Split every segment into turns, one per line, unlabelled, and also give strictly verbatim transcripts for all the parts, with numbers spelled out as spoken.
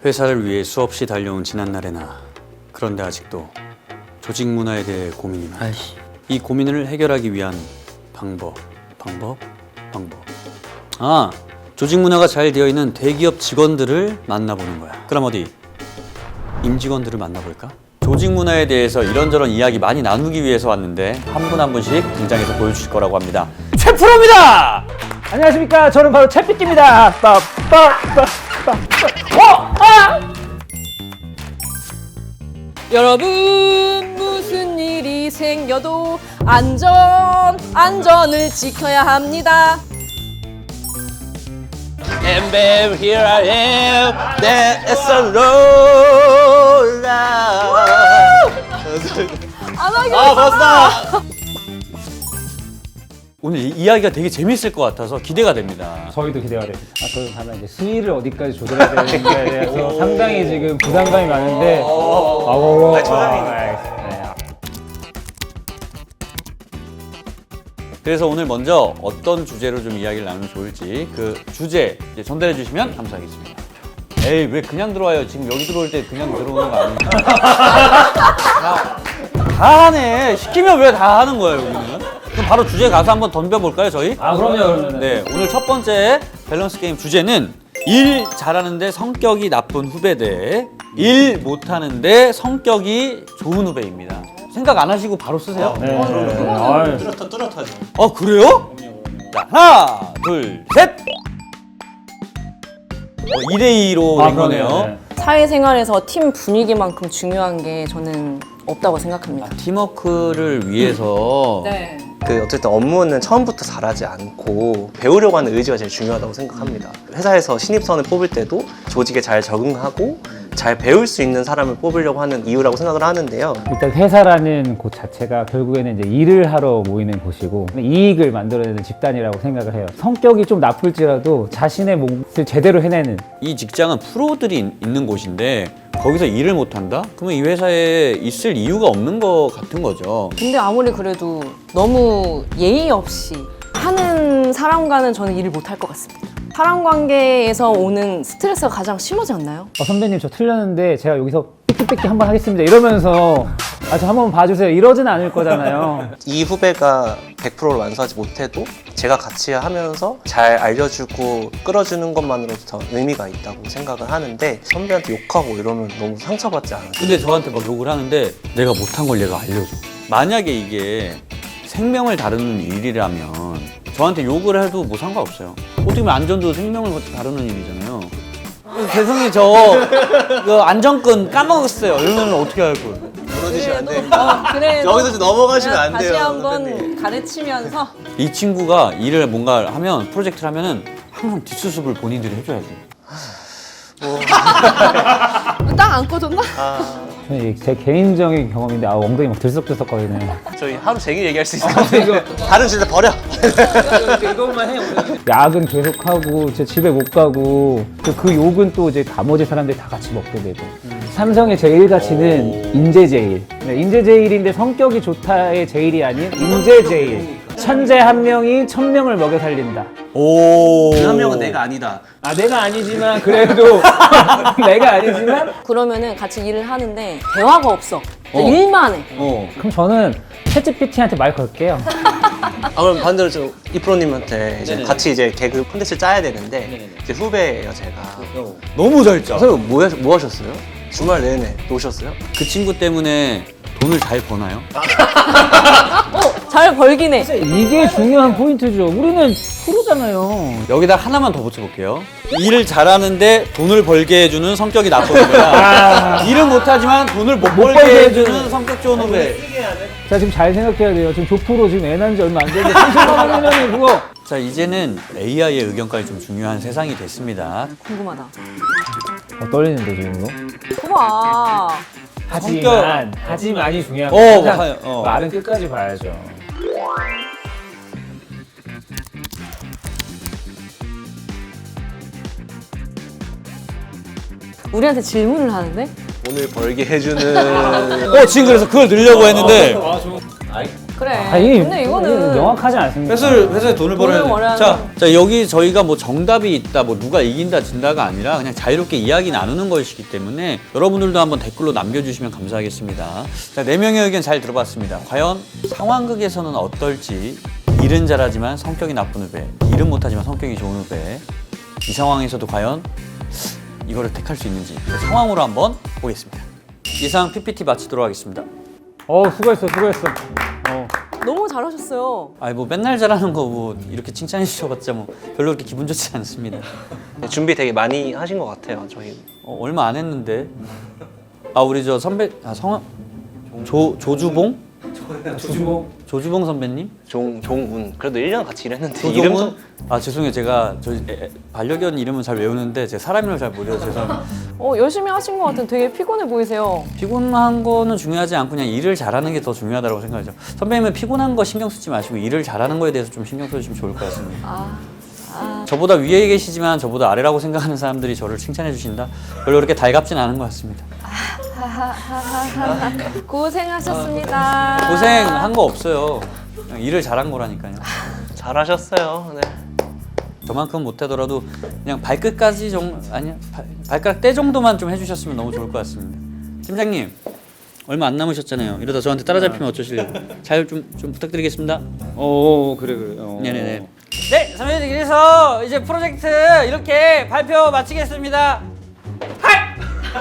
회사를 위해 수없이 달려온 지난날의 나. 그런데 아직도 조직 문화에 대해 고민이 많다.
아이씨.
이 고민을 해결하기 위한 방법, 방법, 방법. 아, 조직 문화가 잘 되어 있는 대기업 직원들을 만나보는 거야. 그럼 어디? 임직원들을 만나볼까? 조직 문화에 대해서 이런저런 이야기 많이 나누기 위해서 왔는데 한 분 한 분씩 등장해서 보여주실 거라고 합니다. 최 프로입니다!
안녕하십니까. 저는 바로 채피끼입니다. 빠빠빠빠. 어! 아!
여러분, 무슨 일이 생겨도 안전, 안전을 지켜야 합니다.
And babe, here I am. That is a roll.
안 하기로
아, 봤어.
오늘 이 이야기가 되게 재밌을 것 같아서 기대가 됩니다.
저희도 기대가 됩니다. 아, 저는 다만 이제 수위를 어디까지 조절해야 되는지에 대해서 상당히 지금 부담감이 많은데. 아우, 네.
그래서 오늘 먼저 어떤 주제로 좀 이야기를 나누면 좋을지 그 주제 이제 전달해 주시면 감사하겠습니다. 에이, 왜 그냥 들어와요? 지금 여기 들어올 때 그냥 들어오는 거 아니에요? 다, 다 하네. 시키면 왜 다 하는 거예요, 여기는? 그럼 바로 주제 가서 한번 덤벼볼까요, 저희?
아, 그럼요, 그러면.
네, 오늘 첫 번째 밸런스 게임 주제는 일 잘하는데 성격이 나쁜 후배 대 일 못하는데 성격이 좋은 후배입니다. 생각 안 하시고 바로 쓰세요.
네. 네. 아유.
뚜렷하, 뚜렷하죠.
아, 그래요? 자, 하나, 둘, 셋! 어, 이 대 이로
아,
된 거네요.
그러네요. 네.
사회생활에서 팀 분위기만큼 중요한 게 저는 없다고 생각합니다.
팀워크를 위해서
네.
그 어쨌든 업무는 처음부터 잘하지 않고 배우려고 하는 의지가 제일 중요하다고 생각합니다. 회사에서 신입사원을 뽑을 때도 조직에 잘 적응하고 잘 배울 수 있는 사람을 뽑으려고 하는 이유라고 생각을 하는데요.
일단 회사라는 곳 자체가 결국에는 이제 일을 하러 모이는 곳이고 이익을 만들어내는 집단이라고 생각을 해요. 성격이 좀 나쁠지라도 자신의 몫을 제대로 해내는.
이 직장은 프로들이 있- 있는 곳인데 거기서 일을 못한다? 그러면 이 회사에 있을 이유가 없는 것 같은 거죠.
근데 아무리 그래도 너무 예의 없이 하는 사람과는 저는 일을 못 할 것 같습니다. 사람 관계에서 오는 스트레스가 가장 심하지 않나요?
어, 선배님 저 틀렸는데 제가 여기서 삐끼삐끼 한번 하겠습니다 이러면서 아, 저 한번 봐주세요 이러진 않을 거잖아요.
이 후배가 백 퍼센트를 완수하지 못해도 제가 같이 하면서 잘 알려주고 끌어주는 것만으로도 더 의미가 있다고 생각을 하는데 선배한테 욕하고 이러면 너무 상처받지 않아요?
근데 저한테 막 욕을 하는데 내가 못한 걸 얘가 알려줘. 만약에 이게 생명을 다루는 일이라면 저한테 욕을 해도 뭐 상관없어요. 어떻게 보면 안전도 생명을 다루는 일이잖아요. 세상에 저 그 안전끈 까먹었어요. 이러면 어떻게 할 거예요?
무너지시면 안 돼요.
어, 그래도
여기서 좀 넘어가시면 안 돼요,
다시 한번
선배님.
가르치면서
이 친구가 일을 뭔가 하면 프로젝트를 하면은 항상 뒷수습을 본인들이 해줘야 돼.
딱 안 꺼졌나?
저는 제 개인적인 경험인데 아, 엉덩이 막 들썩들썩거리네.
저희 하루 종일 얘기할 수 있을 것 같아요. 다른 주제 버려.
야근 계속하고 제 집에 못 가고 그, 그 욕은 또 이제 나머지 사람들이 다 같이 먹게 되고. 삼성의 제일 가치는 인재 제일. 네, 인재 제일인데 성격이 좋다의 제일이 아닌 인재 제일. 천재 한 명이 천 명을 먹여 살린다.
오.
그 한 명은 내가 아니다.
아 내가 아니지만 그래도 내가 아니지만
그러면은 같이 일을 하는데 대화가 없어.
어.
일만 해.
어.
그럼 저는 챗지피티한테 말 걸게요.
아 그럼 반대로 좀 이프로님한테 이제
네네네.
같이 이제 개그 콘텐츠 짜야 되는데
네네네.
이제 후배예요 제가.
너무 잘 짜.
그래서 뭐, 하- 뭐 하셨어요? 주말 내내 노셨어요?
그 친구 때문에 돈을 잘 버나요?
어, 잘 벌긴 해.
이게 중요한 포인트죠. 우리는 프로잖아요.
여기다 하나만 더 붙여볼게요. 일을 잘하는데 돈을 벌게 해주는 성격이 나쁜 후배야. 일은 못하지만 돈을 못, 벌게,
벌게
해주는
해주는
성격 좋은 후배.
자 지금 잘 생각해야 돼요. 지금 조프로 지금 애 낳은 지 얼마 안 됐는데 삼십만 원이면 그거
자, 이제는 에이아이의 의견까지 좀 중요한 세상이 됐습니다.
궁금하다.
어, 떨리는데 지금도.
봐봐.
하지만 하지만이 중요한
어,
거야.
뭐, 하- 어.
말은 끝까지 봐야죠.
우리한테 질문을 하는데?
오늘 벌게 해주는
어, 지금 그래서 그걸 넣으려고 했는데.
그래.
아, 이,
근데 이거는
명확하지 않습니다.
회사를 회사에 돈을 벌어야
돈을 벌어야
돼. 자, 자 여기 저희가 뭐 정답이 있다, 뭐 누가 이긴다 진다가 아니라 그냥 자유롭게 이야기 나누는 것이기 때문에 여러분들도 한번 댓글로 남겨주시면 감사하겠습니다. 자, 네 명의 의견 잘 들어봤습니다. 과연 상황극에서는 어떨지. 일은 잘하지만 성격이 나쁜 후배, 일은 못하지만 성격이 좋은 후배. 이 상황에서도 과연 이거를 택할 수 있는지 그 상황으로 한번 보겠습니다. 이상 피피티 마치도록 하겠습니다.
어, 수고했어, 수고했어. 어.
너무 잘하셨어요.
아니 뭐 맨날 잘하는 거 뭐 이렇게 칭찬해 주셔봤자 뭐 별로 그렇게 기분 좋지 않습니다.
준비 되게 많이 하신 것 같아요, 저희.
어, 얼마 안 했는데. 아 우리 저 선배 아 성함 조 조주봉
조주봉.
조주봉 선배님
종, 종운. 그래도 일 년 같이 일했는데
조종훈
이름
아 죄송해요 제가 저 에, 에, 반려견 이름은 잘 외우는데 제 사람 이름을 잘 모르어서 죄송합니다.
어, 열심히 하신 것 같은 되게 피곤해 보이세요.
피곤한 거는 중요하지 않고 그냥 일을 잘하는 게 더 중요하다고 생각하죠. 선배님은 피곤한 거 신경 쓰지 마시고 일을 잘하는 거에 대해서 좀 신경 써주시면 좋을 것 같습니다.
아, 아.
저보다 위에 계시지만 저보다 아래라고 생각하는 사람들이 저를 칭찬해 주신다. 별로 그렇게 달갑진 않은 것 같습니다.
고생하셨습니다.
고생한 거 없어요. 그냥 일을 잘한 거라니까요.
잘하셨어요. 네.
저만큼 못하더라도 그냥 발끝까지 정 아니야 발, 발가락 때 정도만 좀 해주셨으면 너무 좋을 것 같습니다. 팀장님 얼마 안 남으셨잖아요. 이러다 저한테 따라잡히면 어쩌실래요? 잘 좀 좀 부탁드리겠습니다.
어, 그래, 그래. 어.
네네네. 네, 선배님 그래서 이제 프로젝트 이렇게 발표 마치겠습니다. 하이!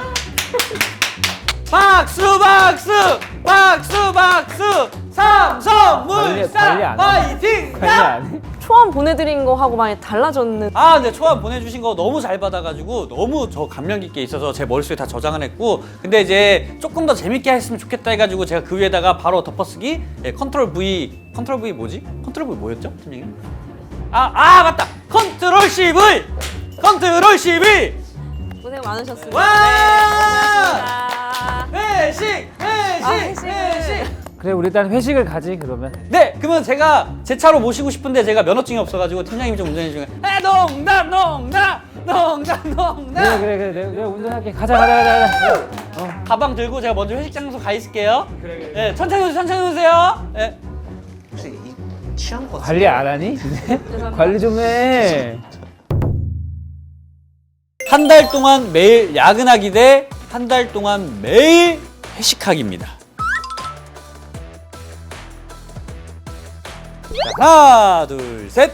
박수 박수 박수 박수 삼성물산
관리 안 해.
파이팅!
관리 안 해?
초안 보내드린 거 하고 많이 달라졌는.
아, 네, 초안 보내주신 거 너무 잘 받아가지고 너무 저 감명 깊게 있어서 제 머릿속에 다 저장을 했고 근데 이제 조금 더 재밌게 했으면 좋겠다 해가지고 제가 그 위에다가 바로 덮어쓰기 예, 컨트롤 V 컨트롤 V 뭐지? 컨트롤 V 뭐였죠? 팀장님? 아, 아 맞다! 컨트롤 씨 V! 컨트롤 씨 V!
고생 많으셨습니다.
와!
네,
회식! 회식!
아, 회식, 회식.
그래, 우리 일단 회식을 가지, 그러면.
네, 그러면 제가 제 차로 모시고 싶은데 제가 면허증이 없어가지고 팀장님이 좀 운전해 주시면 아, 농담, 농담, 농담,
그래,
농담.
그래, 그래. 내가, 내가 운전할게. 가자, 가자, 가자. 가자.
가방 들고 제가 먼저 회식 장소 가 있을게요. 그래, 그래. 네, 천천히 오세요, 천천히 오세요. 네.
혹시 이 취한 거
관리 안 하니? 이제? 관리 좀 해.
한 달 동안 매일 야근하기 대 한 달 동안 매일 회식하기입니다. 자, 하나, 둘, 셋.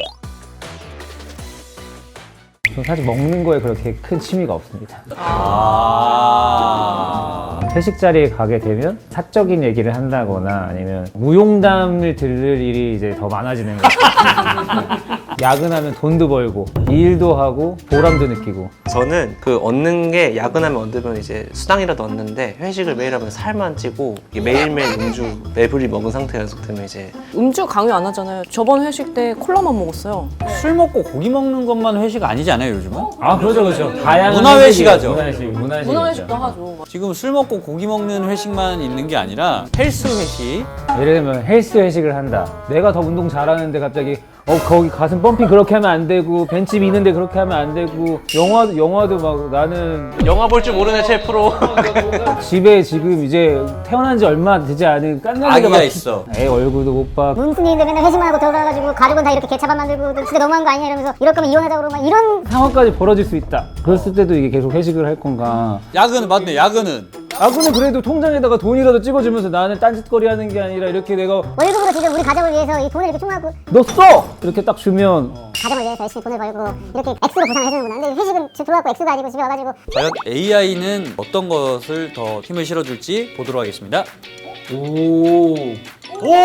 전 사실 먹는 거에 그렇게 큰 취미가 없습니다.
아.
회식 자리에 가게 되면 사적인 얘기를 한다거나 아니면 무용담을 들을 일이 이제 더 많아지는 거죠. 야근하면 돈도 벌고 일도 하고 보람도 느끼고.
저는 그 얻는 게 야근하면 얻으면 이제 수당이라도 얻는데 회식을 매일 하면 살만 찌고 이게 매일매일 음주 매부리 먹은 상태가 계속되면 이제
음주 강요 안 하잖아요. 저번 회식 때 콜라만 먹었어요.
술 먹고 고기 먹는 것만 회식 아니지 않아요, 요즘은?
아, 그렇죠, 그렇죠. 다양한
문화회식 하죠.
문화회식, 문화회식.
문화회식도 하죠.
지금 술 먹고 고기 먹는 회식만 있는 게 아니라 헬스 회식.
예를 들면 헬스 회식을 한다. 내가 더 운동 잘하는데 갑자기 어 거기 가슴 펌핑 그렇게 하면 안 되고 벤치 미는데 그렇게 하면 안 되고 영화 영화도 막 나는
영화 볼 줄 모르는 셰프로
집에 지금 이제 태어난 지 얼마 되지 않은 깐난이가
아기가
막
있어.
애 얼굴도 못 봐.
문풍기인데 맨날 회식만 하고 들어가가지고 가족은 다 이렇게 개차밥 만들고 진짜 너무한 거 아니냐 이러면서 이럴 거면 이혼하자고 그러고 막 이런
상황까지 벌어질 수 있다. 그랬을 때도 이게 계속 회식을 할 건가?
야근은 맞네, 야근은.
아 근데 그래도 통장에다가 돈이라도 찍어주면서 나는 딴짓거리 하는 게 아니라 이렇게 내가
월급으로 지금 우리 가족을 위해서 이 돈을 이렇게 총하고
너 써! 이렇게 딱 주면
가정을 위해서 열심히 돈을 벌고 이렇게 액수로 보상을 해주는구나. 근데 회식은 지금 들어갖고 액수가 아니고 집에 와가지고
과연 에이아이는 어떤 것을 더 힘을 실어줄지 보도록 하겠습니다.
오.
오!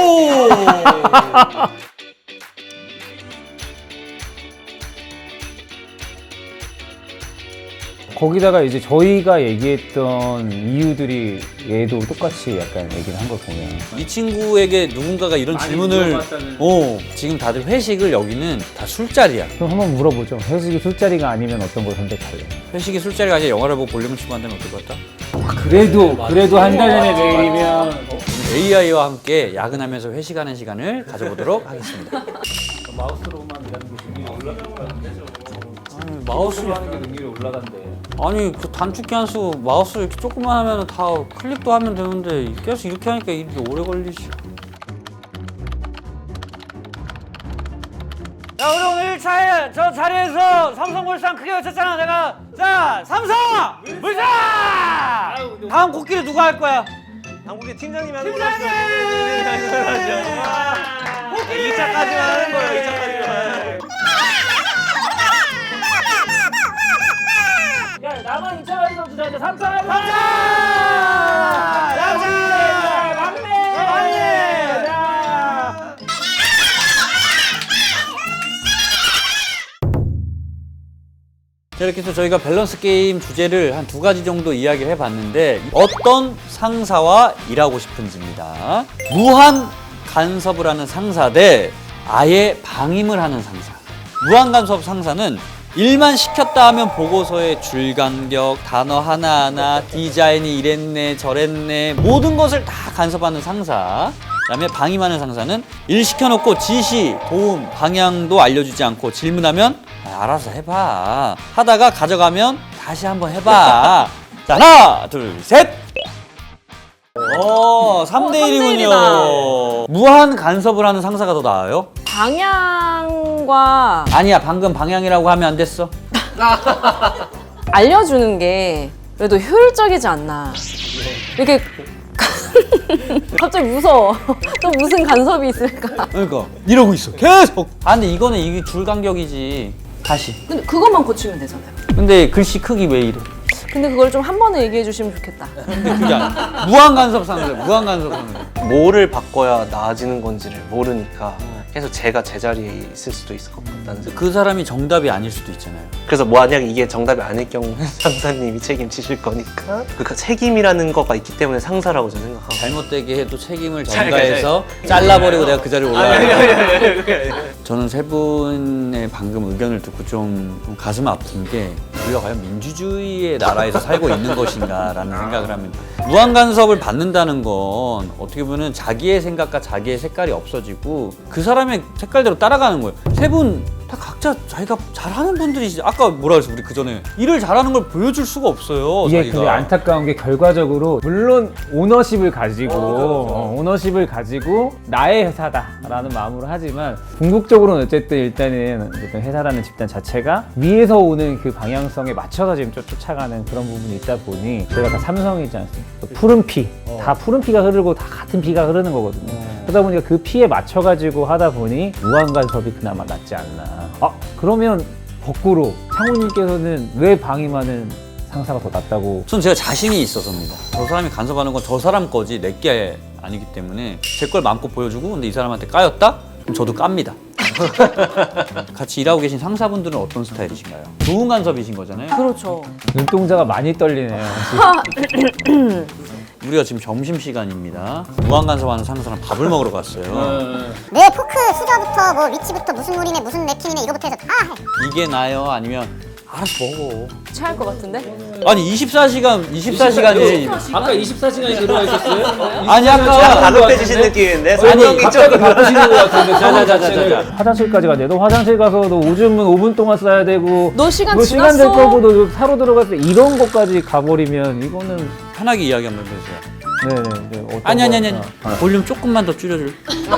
거기다가 이제 저희가 얘기했던 이유들이 얘도 똑같이 약간 얘기를 한 걸 보면
이 친구에게 누군가가 이런 질문을
물어봤다는.
어, 지금 다들 회식을 여기는 다 술자리야.
그럼 한번 물어보죠. 회식이 술자리가 아니면 어떤 걸 선택할래?
회식이 술자리가 아니라 영화를 보고 볼륨을 치고 한다면 어떨 것 같다?
그래도 그래도 한 달 전에 메일이면
에이아이와 함께 야근하면서 회식하는 시간을 가져보도록 하겠습니다.
마우스로만 일하는 게 능률이 올라간대.
아니, 마우스
하는 게 능률이 올라간대.
아니 그 단축키 한 수 마우스 이렇게 조금만 하면 다 클릭도 하면 되는데 계속 이렇게 하니까 이렇게 오래 걸리지. 야, 우리 오늘 일 차에 저 자리에서 삼성물산 크게 외쳤잖아, 내가. 자, 삼성! 물산! 다음 코끼리 누가 할 거야?
한국의 팀장님이 하는
팀장님!
이 차까지만 하는 거예요. 이 차까지만.
야, 나만 이 차 가지고 주자. 이제 삼 차 가자. 삼 차! 막내! 막내! 자.
자, 이렇게 해서 저희가 밸런스 게임 주제를 한 두 가지 정도 이야기를 해봤는데 어떤 상사와 일하고 싶은지입니다. 무한 간섭을 하는 상사 대 아예 방임을 하는 상사. 무한 간섭 상사는 일만 시켰다 하면 보고서에 줄 간격, 단어 하나하나, 디자인이 이랬네 저랬네 모든 것을 다 간섭하는 상사. 그다음에 방임하는 상사는 일 시켜놓고 지시, 도움, 방향도 알려주지 않고 질문하면 아, 알아서 해봐 하다가 가져가면 다시 한번 해봐. 자, 하나 둘 셋. 어, 삼 대 일이군요. 무한 간섭을 하는 상사가 더 나아요?
방향과
아니야, 방금 방향이라고 하면 안 됐어.
알려주는 게 그래도 효율적이지 않나. 이렇게 갑자기 무서워. 또 무슨 간섭이 있을까?
그러니까 이러고 있어 계속. 아, 근데 이거는 이게 줄 간격이지. 다시.
근데 그것만 고치면 되잖아요.
근데 글씨 크기 왜 이래?
근데 그걸 좀 한 번에 얘기해 주시면 좋겠다.
근데 그게 아니야. 무한 간섭 상사, 무한 간섭 상사.
뭐를 바꿔야 나아지는 건지를 모르니까 계속 제가 제자리에 있을 수도 있을 것 같다는 생각.
그 사람이 정답이 아닐 수도 있잖아요.
그래서 만약에 이게 정답이 아닐 경우 상사님이 책임지실 거니까 그 책임이라는 거가 있기 때문에 상사라고 저는 생각하고.
잘못되게 해도 책임을 전가해서 잘라버리고 내가 그 자리에 올라가요. 저는 세 분의 방금 의견을 듣고 좀, 좀 가슴 아픈 게 우리가 과연 민주주의의 나라에서 살고 있는 것인가라는 생각을 합니다. 무한 간섭을 받는다는 건 어떻게 보면 자기의 생각과 자기의 색깔이 없어지고 그 사람의 색깔대로 따라가는 거예요. 세 분 다 각자 자기가 잘하는 분들이지. 아까 뭐라 그랬어 우리 그 전에 일을 잘하는 걸 보여줄 수가 없어요.
이게
자기가.
근데 안타까운 게 결과적으로 물론 오너십을 가지고 어, 오너십을 가지고 나의 회사다라는 마음으로 하지만 궁극적으로는 어쨌든 일단은 어쨌든 회사라는 집단 자체가 위에서 오는 그 방향성에 맞춰서 지금 쫓- 쫓아가는 그런 부분이 있다 보니 저희가 다 삼성이지 않습니까? 푸른 피, 다 푸른 피가 흐르고 다 같은 피가 흐르는 거거든요. 그러다 보니까 그 피에 맞춰가지고 하다 보니 무한 간섭이 그나마 낫지 않나. 아 그러면 거꾸로 창훈님께서는 왜 방임하는 상사가 더 낫다고?
전 제가 자신이 있어서입니다. 저 사람이 간섭하는 건 저 사람 거지 내 게 아니기 때문에 제 걸 마음껏 보여주고 근데 이 사람한테 까였다? 그럼 저도 깝니다. 같이 일하고 계신 상사분들은 어떤 스타일이신가요? 좋은 간섭이신 거잖아요.
그렇죠.
눈동자가 많이 떨리네요.
우리가 지금 점심시간입니다. 무한 간섭하는 상사랑 밥을 먹으러 갔어요.
내 포크 수저부터 뭐 위치부터 무슨 물이네 무슨 냅킨이네 이거부터 해서 다 해.
이게 나요? 아니면 알아서 먹어.
체할 것 같은데?
아니 이십사 시간 이십사 시간이
아까 이십사 시간이 들어와 있었어요?
아니 아까
다급해지신 느낌인데
아니,
설명이
갑자기
좀
바쁘시는 것 같은데.
자자자자자.
화장실까지 가야 돼. 너 화장실 가서 너 오줌은 오 분 동안 싸야 되고
너 시간
너 시간 될
지났어.
거고 너 사로 들어갔을 때 이런 것까지 가버리면 이거는
편하게 이야기 한번 해주세요.
네네. 네, 어떤
아니 아니 아니
거-
아니. 볼륨 조금만 더 줄여줄.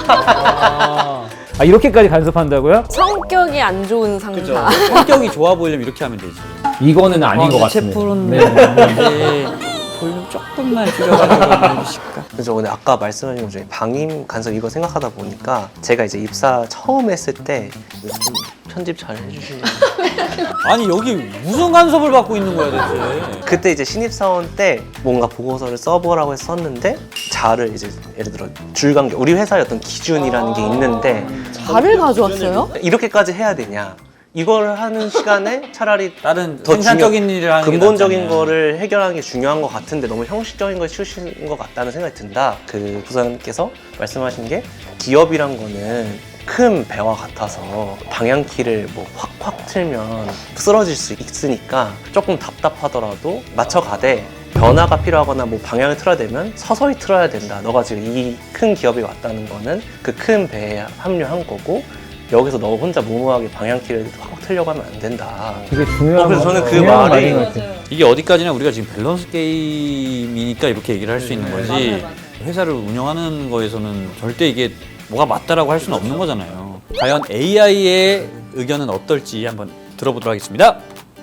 아 이렇게까지 간섭한다고요?
성격이 안 좋은 상사.
성격이 좋아 보이려면 이렇게 하면 되지.
이거는 아닌 것 같습니다.
채플은
네.
네. 볼륨 조금만 줄여가지고 해주실까?
그래서 오늘 아까 말씀하신 것 중에 방임 간섭 이거 생각하다 보니까 제가 이제 입사 처음 했을 때 좀 편집 잘 해주시는
아니 여기 무슨 간섭을 받고 있는 거야 대체?
그때 이제 신입사원 때 뭔가 보고서를 써보라고 해서 썼는데 자를 이제 예를 들어 줄간격 우리 회사의 어떤 기준이라는 게 있는데
발을 가져왔어요?
이렇게까지 해야 되냐 이걸 하는 시간에 차라리
다른
더
생산적인
중요-
일을 하는 게
근본적인
낫잖아요.
거를 해결하는 게 중요한 것 같은데 너무 형식적인 걸 치우시는 것 같다는 생각이 든다. 그 부사님께서 말씀하신 게 기업이란 거는 큰 배와 같아서 방향키를 뭐 확확 틀면 쓰러질 수 있으니까 조금 답답하더라도 맞춰가되 변화가 필요하거나 뭐 방향을 틀어야 되면 서서히 틀어야 된다. 너가 지금 이 큰 기업에 왔다는 거는 그 큰 배에 합류한 거고 여기서 너 혼자 무모하게 방향키를 확 틀려고 하면 안 된다.
되게 중요한
어, 그래서 저는 그
중요한
말이-
말인 것 같아요.
이게 어디까지나 우리가 지금 밸런스 게임이니까 이렇게 얘기를 할 수 있는 거지. 회사를 운영하는 거에서는 절대 이게 뭐가 맞다라고 할 수는 없는 거잖아요. 과연 에이아이의 의견은 어떨지 한번 들어보도록 하겠습니다.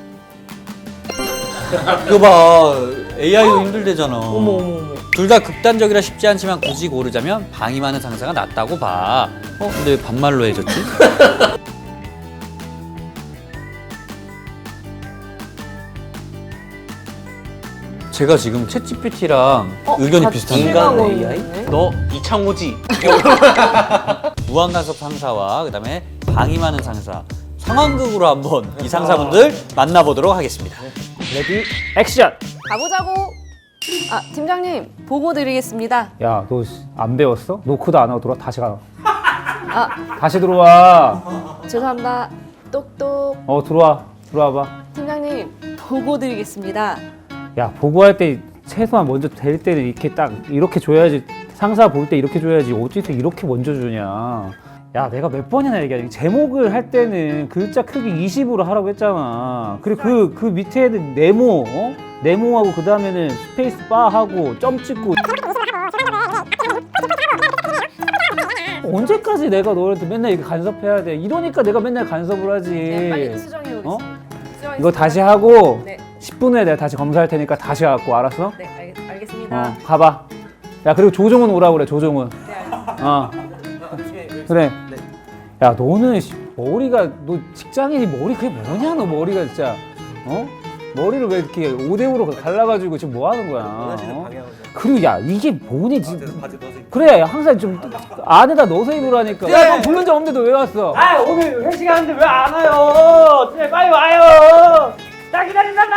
이거 봐, 에이아이도 힘들대잖아.
어머 어머 어머.
둘 다 극단적이라 쉽지 않지만 굳이 고르자면 방이 많은 상사가 낫다고 봐. 어, 근데 왜 반말로 해줬지? 제가 지금 챗지피티랑 의견이
다
비슷한데.
실망하고
인간 에이아이?
있네.
너 이창호지?
무한간섭 상사와 그다음에 방이 많은 상사 상황극으로 한번 이 상사분들 만나보도록 하겠습니다.
레디 액션.
가보자고. 아 팀장님 보고 드리겠습니다.
야, 너 안 배웠어? 노크도 안 하고 들어와. 다시 가.
아
다시 들어와.
죄송합니다. 똑똑.
어, 들어와. 들어와 봐.
팀장님 보고 드리겠습니다.
야, 보고할 때 최소한 먼저 될 때는 이렇게 딱 이렇게 줘야지. 상사 볼 때 이렇게 줘야지. 어떻게 이렇게 먼저 주냐. 야, 내가 몇 번이나 얘기하지. 제목을 할 때는 글자 크기 이십으로 하라고 했잖아. 그리고 그, 그 밑에는 네모, 어? 네모하고 그 다음에는 스페이스 바 하고 점 찍고. 언제까지 내가 너한테 맨날 이렇게 간섭해야 돼? 이러니까 내가 맨날 간섭을 하지.
네, 빨리 수정해 오겠습니다.
어?
수정하겠습니다.
이거 다시 하고
네,
십 분 후에 내가 다시 검사할 테니까 다시 갖고 알았어?
네 알겠, 알겠습니다.
어, 가봐. 야, 그리고 조종은 오라고 그래, 조종은.
네, 알겠습니다.
어. 그래. 야, 너는 씨, 머리가, 너 직장인이 머리 그게 뭐냐, 너 머리가 진짜. 어? 머리를 왜 이렇게 오 대 오로 갈라가지고 지금 뭐 하는 거야? 어? 그리고 야, 이게 뭐니, 지금. 그래, 항상 좀 안에다 넣어서 입으라니까. 야, 너 부른 적 없는데 너 왜 왔어?
아 오늘 회식하는데 왜 안 와요? 네, 빨리 와요. 나 기다린단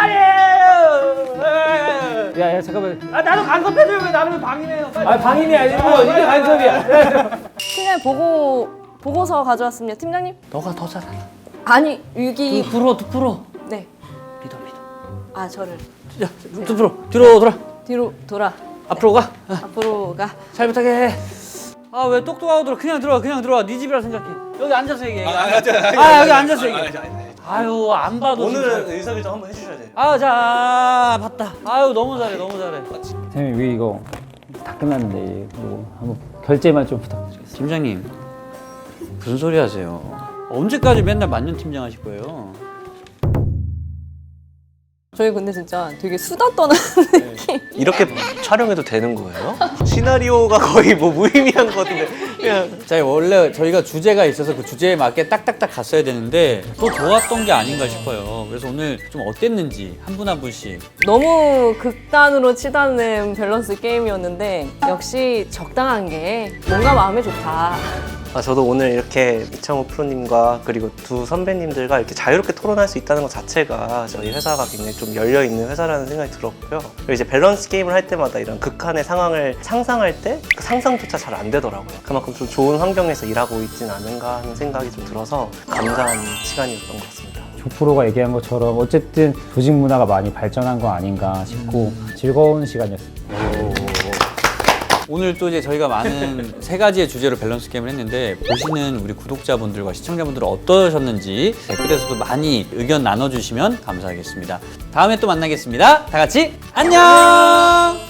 말이에요.
야, 야, 잠깐만.
아 나도 간섭해줘요. 왜 나를 왜 방해해요? 빨리.
아, 방임이 아니고 이게 간섭이야.
팀장님 보고 보고서 가져왔습니다. 팀장님.
너가 더 잘해.
아니 여기
두 프로, 두 프로.
네.
믿어, 믿어.
아 저를
야, 두 프로. 뒤로 돌아.
뒤로 돌아.
앞으로 가.
앞으로 가.
잘 부탁해. 아, 왜 똑똑하고 들어? 그냥 들어와, 그냥 들어와. 네 집이라 생각해. 여기 앉아서 얘기해. 아, 아, 여기 앉아서 얘기해. 아유, 안 봐도
오늘은 진짜. 의사결정 한번 해주셔야 돼요.
아, 자, 봤다. 아유, 너무 잘해, 너무 잘해.
선생님, 왜 이거 다 끝났는데 이거 한번 결제만 좀 부탁드리겠습니다.
팀장님, 무슨 소리 하세요? 언제까지 맨날 만년 팀장 하실 거예요?
저희 근데 진짜 되게 수다 떠는 느낌.
이렇게 촬영해도 되는 거예요? 시나리오가 거의 뭐 무의미한 것 같은데 그냥
자, 원래 저희가 주제가 있어서 그 주제에 맞게 딱딱딱 갔어야 되는데 또 좋았던 게 아닌가 싶어요. 그래서 오늘 좀 어땠는지 한 분 한 분씩.
너무 극단으로 치닫는 밸런스 게임이었는데 역시 적당한 게 뭔가 마음에 좋다.
아, 저도 오늘 이렇게 이창호 프로님과 그리고 두 선배님들과 이렇게 자유롭게 토론할 수 있다는 것 자체가 저희 회사가 굉장히 좀 열려있는 회사라는 생각이 들었고요. 그리고 이제 밸런스 게임을 할 때마다 이런 극한의 상황을 상상할 때 그 상상조차 잘 안 되더라고요. 그만큼 좀 좋은 환경에서 일하고 있진 않은가 하는 생각이 좀 들어서 감사한 시간이었던 것 같습니다.
조 프로가 얘기한 것처럼 어쨌든 조직 문화가 많이 발전한 거 아닌가 싶고 즐거운 시간이었습니다.
오늘 또 이제 저희가 많은 세 가지의 주제로 밸런스 게임을 했는데 보시는 우리 구독자분들과 시청자분들은 어떠셨는지 댓글에서도 많이 의견 나눠주시면 감사하겠습니다. 다음에 또 만나겠습니다. 다 같이 안녕!